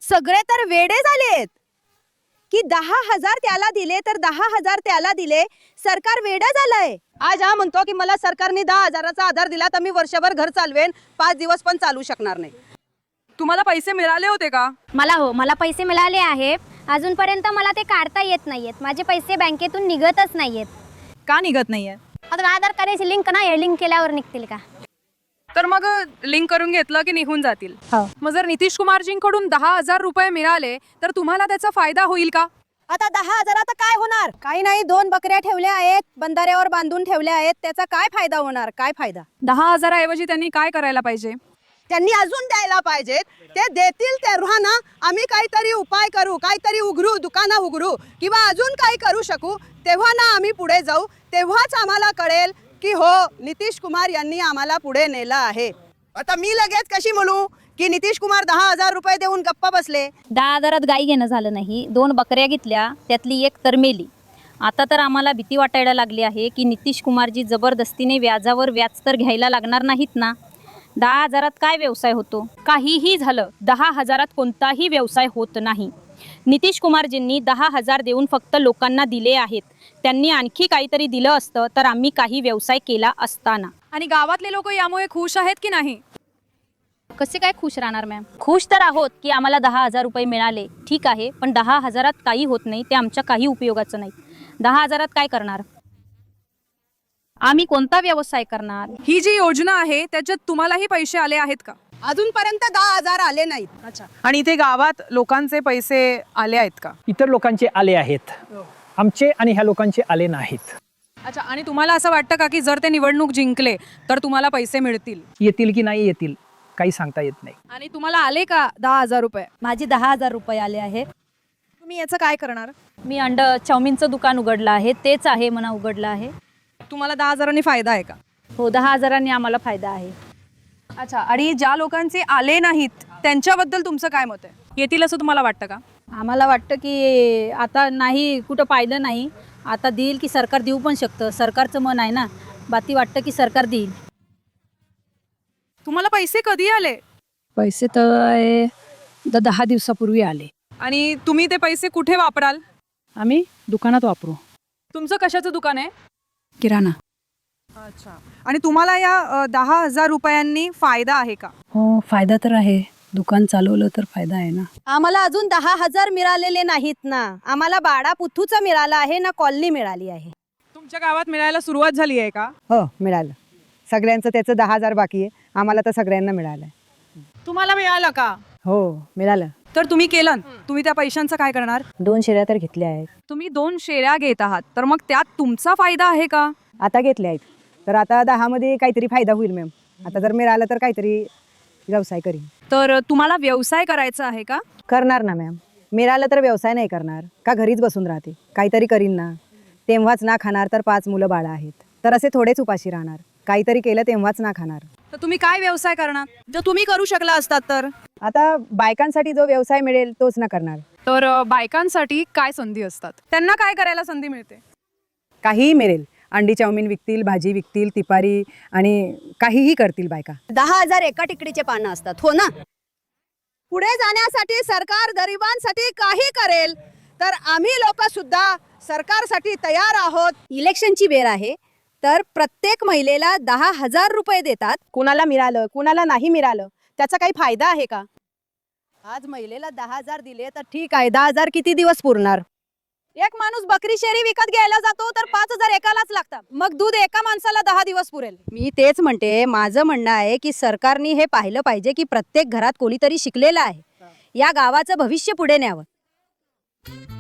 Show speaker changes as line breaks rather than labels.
सगळे तर वेडे झालेत की 10,000 त्याला दिले तर 10,000 त्याला दिले. सरकार वेडा झालंय. आज हा म्हणतो की मला सरकारने 10,000चा आधार दिला तर मी वर्षभर घर चालवेन, 5 दिवस पण चालू शकणार नाही.
तुम्हाला पैसे मिळाले होते का?
मला पैसे मिळाले आहे. अजूनपर्यंत मला ते काढता येत नाहीयेत. माझे पैसे बँकेतून निघतच नाहीयेत.
का निघत नाहीये?
आता आधार कार्डाची लिंक नाही, लिंक केल्यावर निघतील का?
तर मग लिंक करून घेतलं की निघून जातील.
हो.
मग जर नितीश कुमारजींकडून 10,000 रुपये मिळाले तर तुम्हाला त्याचा फायदा होईल का?
आता 10,000 काय होणार? काही नाही, 2 बकऱ्या ठेवल्या आहेत, बंधाऱ्यावर बांधून ठेवल्या आहेत, त्याचा काय फायदा होणार? काय फायदा?
10,000 ऐवजी त्यांनी काय करायला पाहिजे?
त्यांनी अजून द्यायला पाहिजेत. ते देतील तेव्हा ना आम्ही काहीतरी उपाय करू, काहीतरी उघडू, दुकानं उघडू किंवा अजून काही करू शकू. तेव्हा ना आम्ही पुढे जाऊ. तेव्हाच आम्हाला कळेल की हो, नितीश कुमार यांनी आम्हाला पुढे नेलं आहे. आता मी लगेच कशी म्हणू की नितीश कुमार 10,000 रुपये देऊन गप्पा बसले?
10,000 गाई घेणं झालं नाही. 2 बकऱ्या घेतल्या, त्यातली एक तर मेली. आता तर आम्हाला भीती वाटायला लागली आहे की नितीश कुमारजी जबरदस्तीने व्याजावर व्याज तर घ्यायला लागणार नाहीत ना. 10,000 काय व्यवसाय होतो? काहीही झालं, 10,000 कोणताही व्यवसाय होत नाही. नितीश कुमारजींनी 10,000 देऊन फक्त लोकांना दिले आहेत. त्यांनी आणखी काहीतरी दिलं असतं तर आम्ही काही व्यवसाय केला असताना.
आणि गावातले लोक यामुळे खुश आहेत की नाही?
कसे काय खुश राहणार मॅम? खुश तर आहोत की आम्हाला 10,000 रुपये मिळाले, ठीक आहे. पण 10,000 काही होत नाही, ते आमच्या काही उपयोगाचं नाही. 10,000 काय करणार? आम्ही कोणता व्यवसाय करणार?
ही जी योजना आहे त्याच्यात तुम्हालाही पैसे आले आहेत का?
अजूनपर्यंत 10,000 आले नाहीत.
अच्छा. आणि इथे गावात लोकांचे पैसे आले आहेत का?
इतर लोकांचे आले आहेत, आमचे आणि ह्या लोकांचे आले नाहीत.
अच्छा. आणि तुम्हाला असं वाटतं का की जर ते निवडणूक जिंकले तर तुम्हाला पैसे मिळतील?
येतील की नाही येतील काही सांगता येत नाही.
आणि तुम्हाला आले का 10,000 रुपये?
माझे 10,000 रुपये आले आहेत.
तुम्ही याचं काय करणार?
मी चाऊमिनचं दुकान उघडलं आहे, तेच आहे म्हणा उघडलं आहे.
तुम्हाला 10,000 फायदा आहे का?
हो, 10,000 आम्हाला फायदा आहे.
अच्छा. आणि ज्या लोकांचे आले नाहीत त्यांच्याबद्दल तुमचं काय मत आहे? येतील असं तुम्हाला वाटतं का?
आम्हाला वाटतं की आता नाही, कुठं पाहिलं नाही. आता देईल की सरकार देऊ पण शकतं. सरकारचं मन आहे ना, बाती वाटतं की सरकार देईल.
तुम्हाला पैसे कधी आले?
पैसे तर 10 दिवसापूर्वी आले.
आणि तुम्ही ते पैसे कुठे वापराल?
आम्ही दुकानात वापरू.
तुमचं कशाचं दुकान आहे?
किराणा.
अच्छा. आणि तुम्हाला या 10,000 रुपयांनी फायदा आहे का?
हो, फायदा तर आहे. दुकान चालवलं तर फायदा आहे ना.
आम्हाला अजून 10,000 मिळालेले नाहीत ना. आम्हाला बाडा पुथूचा मिळाला आहे ना, कॉलनी मिळाली आहे.
तुमच्या गावात मिळायला सुरुवात झाली आहे का?
हो, मिळालं. सगळ्यांचं त्याचं 10,000 बाकी आहे. आम्हाला तर सगळ्यांना मिळालंय.
तुम्हाला मिळालं का?
हो, मिळालं.
तर तुम्ही केलं. तुम्ही त्या पैशांचं काय करणार?
2 शेऱ्या तर घेतल्या आहेत.
तुम्ही 2 शेऱ्या घेत आहात, तर मग त्यात तुमचा फायदा आहे का?
आता घेतल्या आहेत. तर आता 10 मध्ये काहीतरी फायदा होईल मॅम. आता जर मिळालं तर काहीतरी व्यवसाय करीन.
तर तुम्हाला व्यवसाय करायचा आहे का?
करणार ना मॅम. मिळालं तर व्यवसाय नाही करणार का? घरीच बसून राहते, काहीतरी करीन ना. तेव्हाच ना खाणार तर 5 मुलं बाळा आहेत, तर असे थोडेच उपाशी राहणार. काहीतरी केलं तेव्हाच ना खाणार.
तर तुम्ही काय व्यवसाय करणार जर तुम्ही करू शकला असतात तर?
आता बायकांसाठी जो व्यवसाय मिळेल तोच ना करणार.
तर बायकांसाठी काय संधी असतात? त्यांना काय करायला संधी मिळते?
काहीही मिळेल. अंडी चाऊमिन विकतील, भाजी विकतील, तिपारी आणि काहीही करतील बायका.
10,000 एका तिकडीचे पानं असतात, हो ना. पुढे जाण्यासाठी सरकार गरिबांसाठी काही करेल तर आम्ही लोक सुद्धा सरकारसाठी तयार आहोत. इलेक्शनची वेळ आहे तर प्रत्येक महिलेला 10,000 रुपये देतात. कुणाला मिळालं, कुणाला नाही मिळालं, त्याचा काही फायदा आहे का? आज महिलेला 10,000 दिले तर ठीक आहे, 10,000 किती दिवस पुरणार? एक माणूस बकरी शेरी विकत घ्यायला जातो तर 5,000 एकालाच लागतात. मग दूध एका माणसाला 10 दिवस पुरेल? मी तेच म्हणते, माझं म्हणणं आहे की सरकारने हे पाहिलं पाहिजे की प्रत्येक घरात कोणीतरी शिकलेलं आहे. या गावाचं भविष्य पुढे न्यावं.